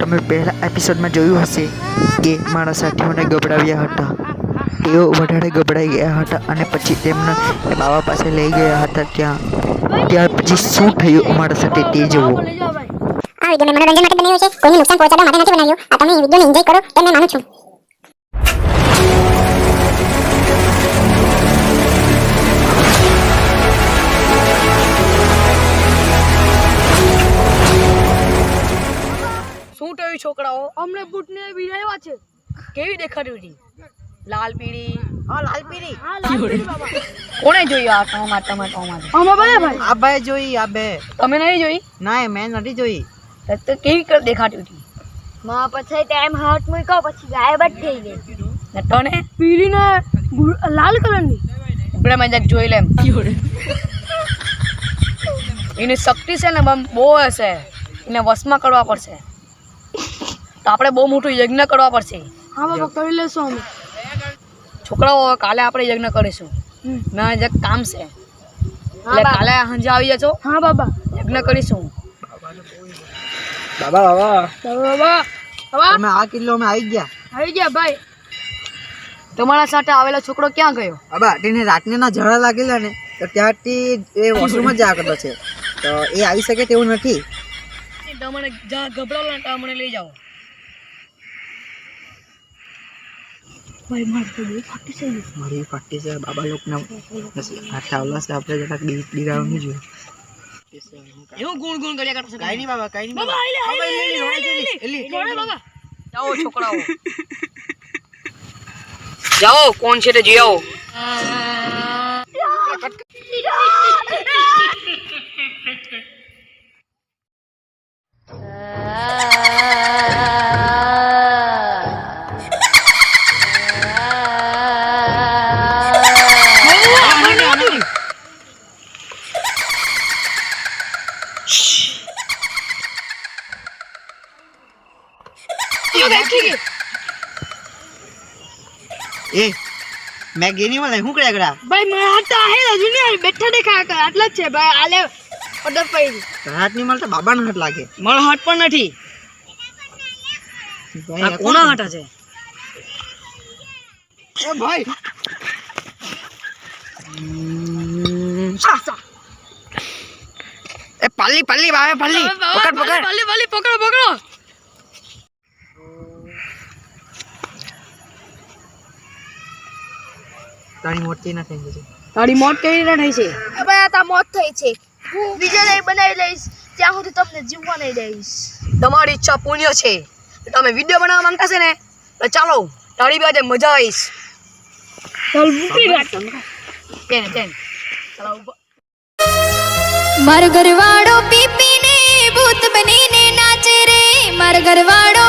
તમે પહેલા એપિસોડમાં જોયું હશે કે મારા સાથીઓને ગભરાવ્યા હતા. તેઓ વધારે ગભરાઈ ગયા હતા અને પછી તેમને બાબા પાસે લઈ ગયા હતા. ત્યાર પછી શું થયું અમારા સાથે તે જુઓ. આ વિડિયો મેં મનોરંજન માટે બનાવ્યો છે, કોઈને નુકસાન પહોંચાડવા માટે નથી બનાવ્યો. આ તમે વિડિયોને એન્જોય કરો તેમ મેં માનું છું. શું થયું છોકરાઓ? અમને બૂટને વિરાવ્યા છે. કેવી દેખાડી હતી? લાલ પીળી. હા લાલ પીળી બાબા. કોણે જોઈ આ ટમાટો? અમે ભાઈ આ ભાઈ જોઈ, આ બે તમે નહીં જોઈ? ના મેં નથી જોઈ. તો કેવી દેખાતી હતી? માં પછી ટાઈમ હાથ મૂક્યો પછી ગાયબ જ થઈ ગઈ. ને તને પીળી ને લાલ કલરની. આપણે મેં જરાક જોઈ લેમ. એની શક્તિ છે ને બહુ હશે, એને વશમાં કરવા પડશે. તો આપણે બહુ મોટું યજ્ઞ કરવા પડશે. હા બાબા કરી લેશું અમે. છોકરાઓ કાલે આપણે યજ્ઞ કરીશું. મેં જરાક કામ છે એટલે કાલે સાંજે આવી જજો. હા બાબા યજ્ઞ કરીશું. બાબા બાબા બાબા બાબા તમે આ કિલ્લો માં આવી ગયા. આવી ગયા ભાઈ. તમારા સાથે આવેલો છોકરો ક્યાં ગયો? બાબા તેને રાતને ના ઝઘડા લાગેલા ને તો ત્યારથી એ વોશરૂમ જ જા કરતો છે, તો એ આવી શકે તેવું નથી. તમને જ્યાં ગભરાવો ને મને લઈ જાઓ. મારી ફાટી છે બાબા લોકના હાથ આવલા છે, આપણે જરાક દીરાવવું જોઈએ. એવું ગુણ ગુણ કર્યા કરતો છે. કાઈ નહીં બાબા, કાઈ નહીં બાબા બાબા જાઓ છોકરાઓ, જાઓ કોણ છે તે જોઈ આવો. એ મેં ગેની વાળા શું કર્યા કરા? ભાઈ મારા હાથ તો આહે હજુ ને બેઠા દેખા કર આટલા જ છે ભાઈ. આલે ઓર્ડર પડી હાથ ની મળતા બાબાનો હાથ લાગે. મારો હાથ પણ નથી. ભાઈ, આ કોના હાથ છે? એ ભાઈ એ પલ્લી પલ્લી બાબા પલ્લી પકડ પકડ. ભલે પકડો પકડો. તારી મોટી ના થઈ ગઈ. તારી મોત કેવી રીતે થઈ છે? ભાઈ આ તા મોત થઈ છે. હું બીજા લઈ બનાવી લઈશ ત્યાં સુધી તમને જીવવા નહીં દઈશ. તમારી ઈચ્છા પુણ્ય છે. તમે વિડીયો બનાવવા માંગતા છે ને તો ચાલો તારી બાજુ મજા આવીશ. ચાલ મૂકી રાખ. ચાલો મારો ઘરવાળો પીપીને ભૂત બનીને નાચે રે. મારો ઘરવાળો